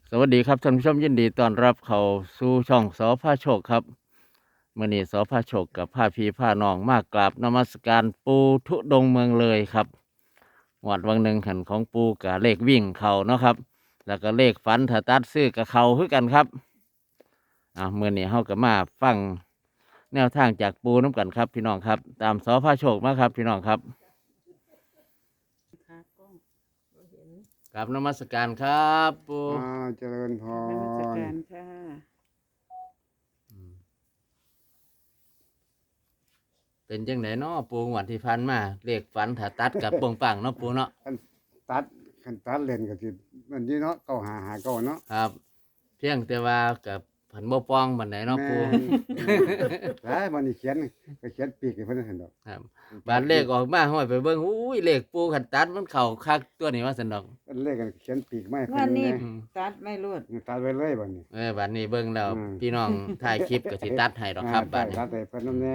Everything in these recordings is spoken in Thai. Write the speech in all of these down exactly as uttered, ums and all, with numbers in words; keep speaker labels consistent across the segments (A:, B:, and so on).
A: สวัสดีครับท่านผู้ชมยินดีต้อนรับเข้าสู่ช่องสอพาโชคครับมื่อนี้สอพาโชคกับพาพี่พาน้องมากราบนมัสการปูทุดงค์เมืองเลยครับหวดวังหนึ่งขันของปูกับเลขวิ่งเขาเนาะครับ แล้วก็เลขฝันถ้าตัดซื้อกับเขาคือกันครับอ่ามื่อนี้เฮาก็มาฟังแนวทางจากปูน้ำกันครับพี่น้องครับ ตามสอพาโชคมาครับพี่น้องครับ
B: ค่ะกล้องบ่เห็น
A: กราบนมัสการครับปู
C: อ่าเจริญพ
B: นมัส
C: ร
B: การค่ะ
A: เป็นจังไหนเนาะปูงวดที่พันมาเลขฝันถ้าตัดกับปงปังเนาะปูเนาะ
C: คันตัดคันตัดเล่นก็สิมันนี่เนาะเก้าหาหาเก้าเนาะ
A: ครับ เพียงแต่ว่ากับผันบ่ปองบันไดเนาะ
C: แม่
A: ปู
C: นหลายวันนี้เขียนก็เขียนปีกให้เพิ่นเห็นดอก
A: ครับบานเลขออกมาห้อยไปเบิ่งอุ้ยเลขปูขันตัดมันเข้าคักตัวนี้ว่าซั่นดอก
C: เพิ่นเลขกันเขียนปีกไมาให้
B: ง
C: เพิ่
B: วัน น
C: นี่
B: นี้
A: อืม
B: ตัดไม่รวด
C: ตัดไว้เลยบัดนี้
A: เออบัดนี้เบิ่งแล้ว
C: อืม
A: พี่น้องถ่ายคลิปก็สิตัดให้ดอกครับ
C: อ่า
A: บัดนี้
C: ตัดให้เพิ่นนำแน่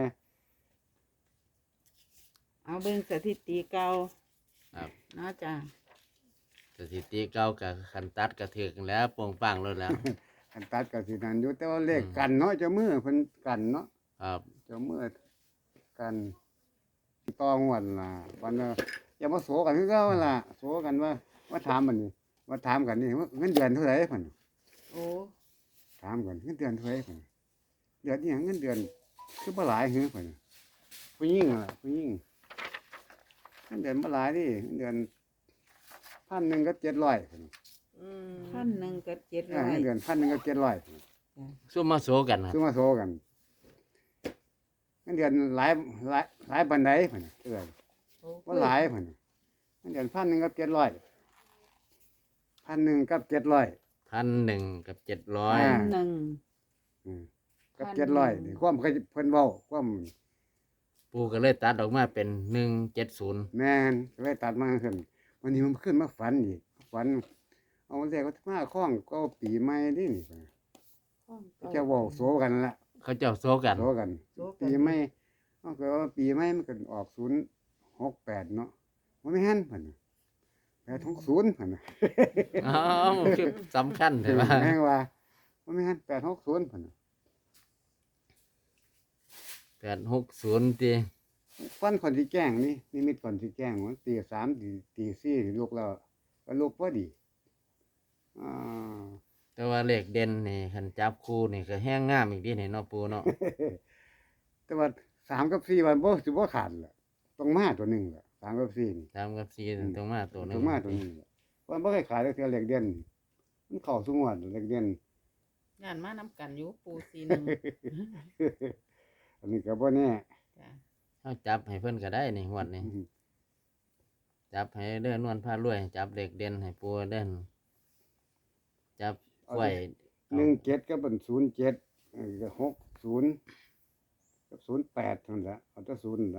B: เอาเบิ่งสถิติเก่า
A: ครับ
B: เนาะจ้ะ
A: สถิติเก่ากับขันตัดก็ถึกแล้วปงปังแล้วแล้ว
C: คันตัดก็สินั่นอยู่แต่ว่าเลข
A: อืม
C: กันเนาะเจ้ามือเพิ่นกันเนาะ
A: ครับ
C: เจ้ามือกันต่องวดล่ะวันน่ะอย่ามาโสกันคือเก่าล่ะโสกันว่าว่าถามมันนี่ว่าถามกันนี่ว่าเงินเดือนเท่าไหร่เพิ่น
B: โอ้
C: ถามก่อนเงินเดือนเท่าไหร่เพิ่นเดือนนี้เงินเดือนคือบ่หลายหือเพิ่นผู้หญิงล่ะผู้หญิงเงินเดือนบ่หลายดิเงินเดือนพันหนึ่งก็เจ็ดร้อยเพิ่น
B: พันหนึ่งกับเจ็ด
C: เอ
B: ร้
C: อ
B: อย
C: เงินเดือนพันหนึ่งก็เจ็ดร้อย
A: ซุ่มมาโซกันครับ
C: ซื้อมาโซกันเงินเดือนหลายหลายหลายปานใดเพิ่นเออ
B: โอ้
C: บ่หลายเพิ่นเงินเดือนพันหนึ่งกับเจ็ดร้อยพันหนึ่งกับเจ็ดร้อย
A: พันหนึ่งกับเจ็ดร้อย
C: อ่า
B: พันหนึ่ง
C: อืมกับ
B: พัน
C: เจ็ดร้อย
B: หนึ่ง
C: นี่ความเคยเพิ่นเว้าความ
A: ปูก็เลยตัดออกมาเป็นหนึ่งเจ็ดศูนย์
C: แม่นก็เลยตัดมาขึ้นวันนี้มันขึ้นมาฝันอีกฝัน เอาเรียกว่ามาคล้องก็ปีใหม่ดินี่
B: ห้องเก่า
C: จะเว้าโซกันละ
A: เขาเจ้าโซกัน
C: โซกัน
B: โซกัน
C: ปีใหม่เอาก็ว่าปีใหม่มันก็ออกศูนย์หกแปดเนาะบ่แม่นเพิ่นน่ะแปดหกศูนย์เพิ่นน่ะ
A: อ๋อคือสำคัญใช่ไหม
C: แม่งว่าบ่แม่นแปดหกศูนย์เพิ่นน่ะ
A: แปดหกศูนย์ตี
C: ฟันคนที่แกล้งนี่นิมิตคนที่แกล้งว่าตีสามตีตีสี่ลุกแล้วก็ลุกพอดีอ่า
A: แต่ว่าเลขเด่นนี่คันจับคู่นี่ก็แห้งงามอีกทีนี่เนาะปูเนาะ
C: แต่ว่าสามกับสี่วันบ่สิบ่ขาดล่ะต้องมาตัวหนึงล่ะสามกับสี่นี่
A: ตามกับซีตรงมาตัวหนึ
C: ต้อง งมาตัวหนึงล่ะวันบ่เคยขายแต่เทื่อเหล็กเด่นมันเข้าสุงวดเหล็กเด่น
B: งานมาน้ำกันอยู่ปูซีหนึ่ง
C: อันนี้ก็บ่แน่
B: จ้ะ
A: เขาจับให้เพิ่นก็ได้นี่หวดนี่จับให้เด้อนวลผ้ารวย จับเลขเด่นให้ปูเด่นจับไว้
C: หนึ่งเจ็ดก็เป็นศูนย์เจ็ดเออก็หกศูนย์กับศูนย์แปดนั่นแหละเอาแต่ศูนย์นั่นละ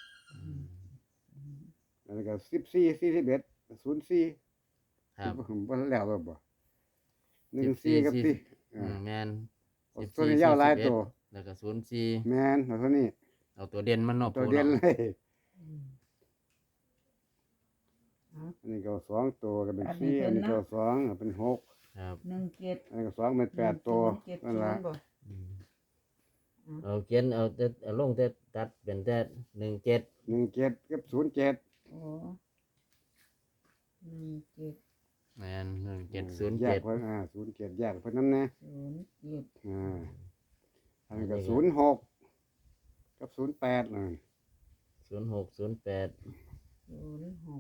C: แล้วก็สิบสี่สี่สิบเอ็ดศูนย์สี่
A: ครับ
C: บ่แล้วก็บ่หนึ่งสี่กับสี่
A: อืมแมน
C: เอาตัวนี้ยาวหลายตัว
A: แล้วก็ศูนย์สี่
C: แมนเอาตัวนี้
A: เอาตัวเด่นมันเนาะ
C: ตัว
A: ปู
C: เด่น
A: เนาะ
C: เลย
B: อืม
C: อันนี้ก็สองตัวก็เป็นสี่อันนี้ก็สองก็เป็นหก
A: ครับ
B: หนึ่งเจ็ด
C: อันนี้ก็สองเป็นแปดตัว
B: เจ็ด
C: นั่น
B: ศู
C: ละ
B: นย์บ่
A: อืมเอาเขียนเอาแต่เอาลงแต่ตัดเป็นแต่หนึ่งเจ็ด
C: หนึ่งเจ็ดกับศูนย์เจ็ด
B: โอ้หนึ่งเจ็ด
A: แมนหนึ่งเจ็ดศูนย์
C: แย
A: เจ็
C: ก
A: ด
C: เพิ่นอ่าศูนย์เจ็ดแยกเพิ่นนั่นแน่
B: ศูนย์เจ็ด
C: อ่าอันนี้ก็ศูนย์หกกับศูนย์แปดน่ะ
A: ศูนย์หกศูนย์แปด
B: ศูนย์หก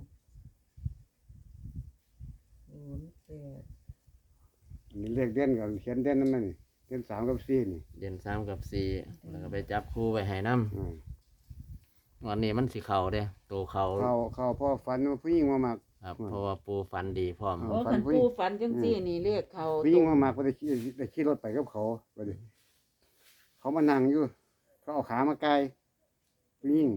B: ศูนย์แปด
C: อันนี้เลขเด่นก็เขียนเด่นนั่นน่ะนี่เด่นสามกับสี่นี่
A: เด่นสามกับสี่แล้วก็ไปจับคู่ไปให้น้
C: อ่า
A: ำวันนี้มันสีเข่าเด้ตัวเขา
C: เข้าเข้าพ่อฝันว่าผู้หญิงมามัก
A: ครับ
C: อืม
A: เพราะว่าปูฟันดีพร้อม
C: อ่า
B: โอ้
C: ฝั
B: คั
C: น
B: น
C: ผู้หญิ
B: ปู
C: ง
B: ฝันจังซี่นี่เรียกเขา
C: ผู้หญิงมามักก็ได้ขี่ได้ขี่รถไปกับเขาไปดิเขามานั่งอยู่ เขาเอาขามาไกลผู้หญิง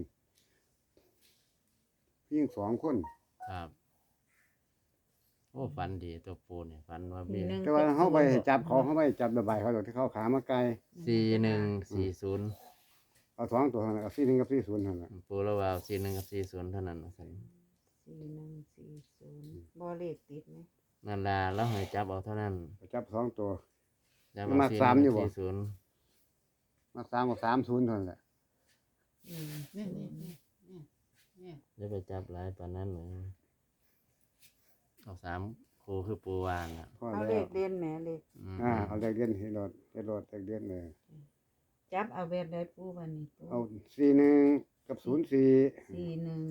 C: ผู้หญิงสองคน
A: ครับโอ้ฟันดีตัวปูเนี่ยฟันว่ามี
B: หนึ่ง
C: แต่ว่าเขาไปจับเขาเขาไปจับระบายเขาดอกที่เขาเอาขามาไกล
A: สี่หนึ่งสี่ศูนย์
C: เอาสองตัวเท่านั้นเอาสี่หนึ่งกับสี่ศูนย์เท่านั้น
A: ปูแล้วว่าสี่หนึ่งกับสี่ศูนย์เท่านั้นนะสิ
B: สี่หนึ่งสี่ศูนย์บ่เลขติดไหม
A: นั่นล่ะแล้วให้จับเอาเท่านั้น
C: ไปจับสองตัว
A: จับ
C: มันมาสามอยู่บ่
A: สี่ศูนย์
C: มาสามกับสามศูนย์เท่านั้นแหละ
B: อืมนี่นี่นี่นี่นี่
A: จะไปจับหลายปานนั้นเลยเอาสามครูคือปูวานอ่ะ
C: พอ
B: เอา
C: แล้
B: เล
C: ว
B: ขเด่นแหม่เลข
A: อืม
C: อ่าเอาเลขเด่นให้รถให้รถเลขเด่นเลย
B: จับเอาแบบใดปูบันนี้ปู
C: เอาสี่หนึ่งกับศูนย์สี่
B: สี่หนึ่ง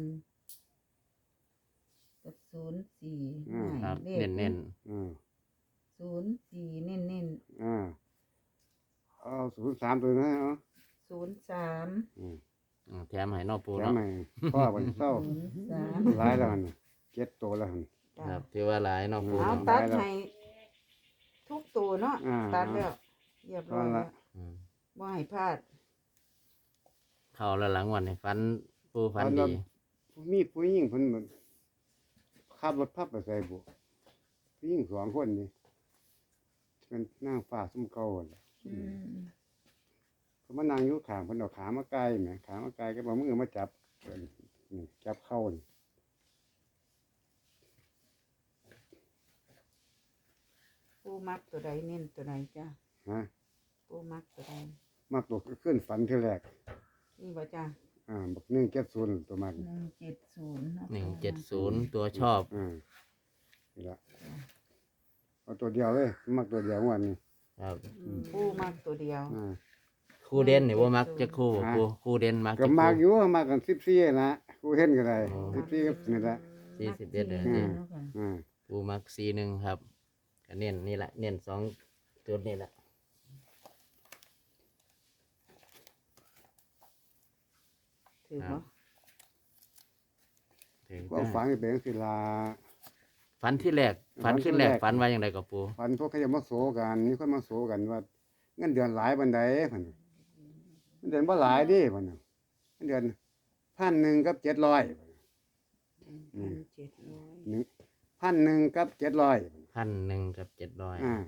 B: กับศูนย์สี่
C: อืม
A: ครับ
B: เลข
A: เน้นเน้น
C: อ่า
B: ศูนย์สี่เน้นเน้น
C: อ่าเอาศูนย์สามตัวนะเอา
B: ศูนย์สาม
C: อืม
A: ๆอืมแถมให้นอกปู
C: แถม
A: เนาะ
C: ให้พ่อวันเศร้า
B: ศูนย์สาม
C: หลายแล้วหั่นน่ะเจ็ดตัวแล้วหั่น
B: จ้ะ
A: ครับที่ว่าหลายนอกปู
B: เอา
A: เนาะ
B: ตัด
C: ได้แล้ว
B: ให้ทุกตัวเนาะ
C: อ่า
B: ตัดแล้วเรียบร้อย
C: เอา
B: แล้
C: ละ
B: ว
A: อืม
B: บ่ให้พลาด
A: เข้าแล้วหลังวันนี้ฟันปูฟัน
C: เอาแล้
A: ดี
C: ว มีผู้หญิงเพิ่นเหมือนขับรถพับไปใส่บุผู้หญิงสองคนนี่เป็นนางฟ้าซุ้มเก่าหั่นล่ะ
B: อืม
C: เขามานั่งอยู่ข้างเพิ่นเอาขามาไกลแหมขามาไกลก็บอกมือมาจับเพิ่นนี่จับเข้านี่
B: ปูมักตัวใดเน้นตัวใดจ้ะ
C: ฮะ
B: ปูมักตัวใด
C: มักตัวขึ้นฝันทีแรก
B: นี่บ่จ้ะ
C: อ่าบักหนึ่งเจ็ดศูนย์ตัวมัน
B: หนึ่งเจ็ดศูนย์
A: หนึ่งเจ็ดศูนย์ตัวชอบ
C: อ่านี่ละเอาตัวเดียวเลยมักตัวเดียววันนี้
A: ครับ
B: ปูมักตัวเดียว
C: อ่า
A: คู่เด่นนี่ว่ามักจะคู่บ่
C: อ่า
A: ปูคู่เด่นมัก
C: ก็
A: จะ
C: มักอ
A: คู่
C: ยู่มักกันสิบสี่นะกูเห็นก็ได้
A: อ๋อ
C: สิบสี่ก็นี่ละ
A: สี่สิบเอ็ดเลย
C: อืม
B: ค่ะ
C: อ่า
A: ปูมักสี่หนึ่งครับก็เน้นนี่แหละเน้นสองจุดนี่แหละ
B: ถือ
A: ครั
B: ว่า
A: บ ถึง
C: ก็
A: จะ
C: ฝันเป็นศิลา
A: ฝันที่แรกฝันขึ้นแรก
C: ฝั
A: ฝัน
C: นที่แรก
A: ว่าอย่างไรกับปู
C: ฝันพวกเขาจะมาโศกันมีคนมาโศกันว่าเงินเดือนหลายบันไดพันเงินเดือนบ่หลายเดิพันน่ะเงินเดือนพันหนึ่งกับเจ็ดร้อย
B: พันเจ็ดร้อย
C: หนึ่งพันหนึ่งกับเจ็ดร้อย
A: พันหนึ่งกับเจ็ดร้อย
C: อ่า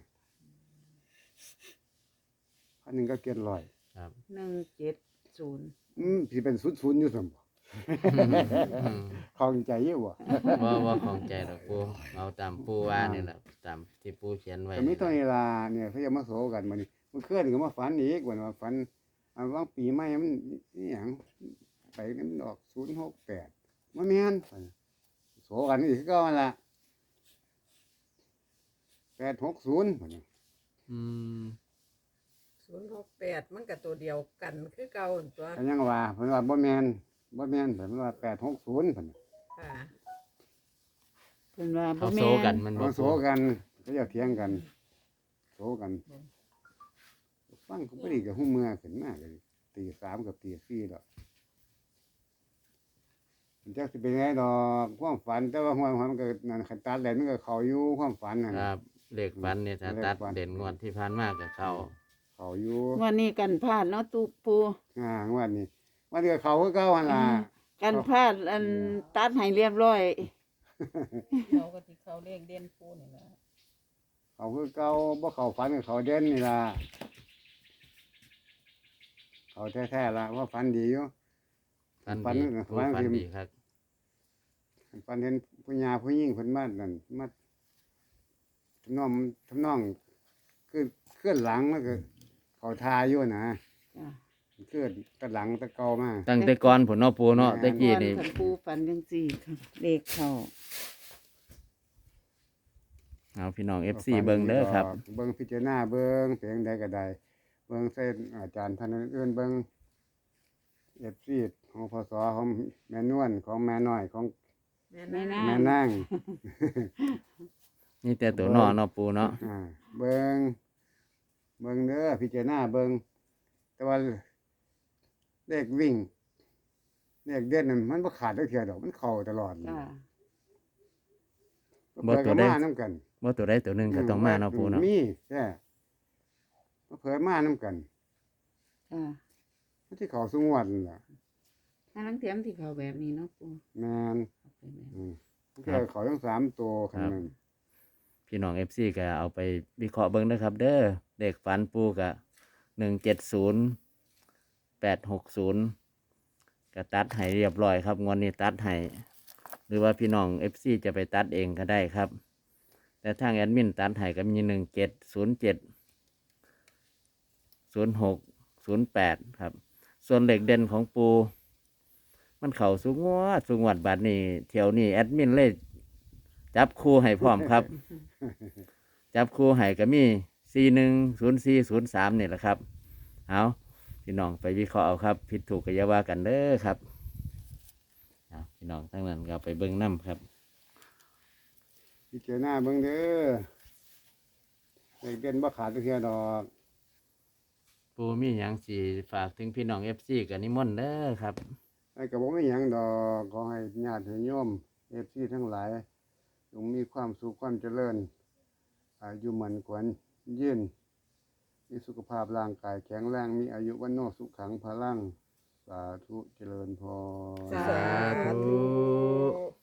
C: พันหนึ่งกับเจ็ดร้อย
A: ครับ
B: หนึ่งเจ็ดศูนย์
C: อืมสิเป็นศูนย์ศูนย์อยู่สมบ่
A: อืม
C: คลองใจอยู่บ่
A: ว่าว่าของใจดอกปูเอาตามปูว่านี่แหละตามที่ปูเขียนไว้
C: แต่มีตัวนี้ล่ะเนี่ยเขาจะมาโศกันมื้อนี้เมื่อคืนก็มาฝันอีกว่าว่าฝันอันว่างปีใหม่มันอีหยังไปมันออกศูนย์หกแปดบ่แม่นโศกันอีกคือเก่าหั่นล่ะแปดหกศูนย์พุ่นน่ะ
A: อืม
D: ศูนย์หกแปดมันกับตัวเดียวกันคือเก่าหั่นตัว
C: ก็ยังว่าเพิ่นว่าบ่แม่นบ่แม่นเพิ่นว่าแปดหกศูนย์พุ่นน่ะ
D: ค่ะ
B: เพิ่นว่าบ่
A: เขา
B: แม่
A: โซกัน
B: น
A: มันบ
C: เขา
A: อก
C: โศกันเขาจะเถียงกันโศกันฟังเขาบ่ดีก็ฮู้เมื่อขึ้นมาก็ตีสามกับตีสี่ดอกมันจักสิเป็นไงดอกความฝันแต่ว่าหัวมันก็นั่นคันตัดแล้วมันก็เข้าอยู่ความฝันนั่น
A: ครับเลขฝันเนี่ยถ้า
C: เลข
A: ตัด
C: ฝัน
A: เด่นงวดที่ผ่านมากกับเขา
C: เข้าอยู่
B: วันนี้กันพลาดเนาะตูปู
C: อ่าวันนี้วันนี้ก็เข้าคือเก่าหั่นล่ะ
B: กันพลาดอันตัดให้เรียบร้อย
D: เขาก็ที่เขาเรียกเด่นปูนี่แหละ
C: เข้าคือเก่าบ่เข้าฝันก็เข้าเด่นนี่ล่ะเข้าแท้ๆล่ะว่าฝันดีอยู่
A: ฝัน
C: ฝัน
A: ดี
C: น่ะ
A: ปู
C: ฝัน
A: ฝัน
C: คือ
A: ดีครับ
C: ฝันเห็นผู้หญิงผู้หญิงเพิ่นมานั่นมาทำนองทำนองคือเคลื่อนหลังแล้วก็เขาทาอยู่นะ
B: จ้ะ
C: เคลื่อนตะหลังตะเกามา
A: ตั้งแต่ก่อนผลเนาะปูเนาะ
C: แม่น
A: ตะกี้นี่
B: คันปูฝันจังซี่ค่ะเลขเข้า
A: เอาพี่น้อง เอฟ ซี เบิ่งเด้อครับ
C: เบิ่งพิจารณาเบิ่งเพียงใดก็ได้เบิ่งเส้นอาจารย์ท่านอื่นๆเบิ่ง เอฟ ซี ของพศของแม่นวลของแม่น้อยของ
D: แม่
B: แม่
D: นะ
B: นาง
C: แม่นาง
A: นี่แต่ตัวนอเนาะปูเนาะ
C: อ่าเบิ่งเบิ่งเด้อพิจารณาเบิ่งแต่ว่าเลขวิ่งเลขเด่นนั่นมันบ่ขาดจักเทื่อดอกมันเข้าตลอด
B: จ้ะ
C: เปิดก็มานํกัน
A: ว่าตัวใดตัวหนึ่งก็ต้องมาเนาะปูเนาะ
C: มีแท้เผยมานํกัน
B: จ้ะ
C: มันที่เขาสงวดนั่นล่ะ
B: ถ้าลังเทียมที่เขาแบบนี้เนาะปู
C: แม่น
B: เอาไปแบบ
C: อืมมันก็เขาทั้งสามตัวคันนั้น
A: พี่น้อง เอฟ ซี ก็เอาไปวิเคราะห์เบิ่งเด้อครับ เด้อเด็กฝันปูกะหนึ่งเจ็ดศูนย์แปดหกศูนย์ก็ตัดให้เรียบร้อยครับงวดนี้ตัดให้หรือว่าพี่น้อง เอฟ ซี จะไปตัดเองก็ได้ครับแต่ทางแอดมินตัดให้ก็มีหนึ่งเจ็ดศูนย์เจ็ดศูนย์หกศูนย์แปดครับ ส่วนเหล็กเด่นของปู มันเข่าสูงงวดสูงงวดบาทนี้เที่ยวนี้แอดมินเลยจับคู่ให้พร้อมครับ จับคู่ให้ก็มีสี่หนึ่งศูนย์สี่ศูนย์สามนี่แหละครับเอาพี่น้องไปวิเคราะห์เอาครับ ผิดถูกก็อย่าว่ากันเด้อครับเอาพี่น้องทั้งนั้นก็ไปเบิ้งน้ำครับ
C: พิจารณาเบิ่งเด้อเด็กเด่นบ่ขาดเทื่อดอก
A: ปูมีหยังสีฝากถึงพี่น้องเอฟซีกับนิมนต์เด้อครับ
C: ไอ้ก็บ่มีหยังดอกขอให้ญาติโยม เอฟ ซี ทั้งหลายจงมีความสุขความเจริญอายุมันขวัญยืนมีสุขภาพร่างกายแข็งแรงมีอายุวันโนสุขังพลัง สาธุเจริญพร
D: สาธุ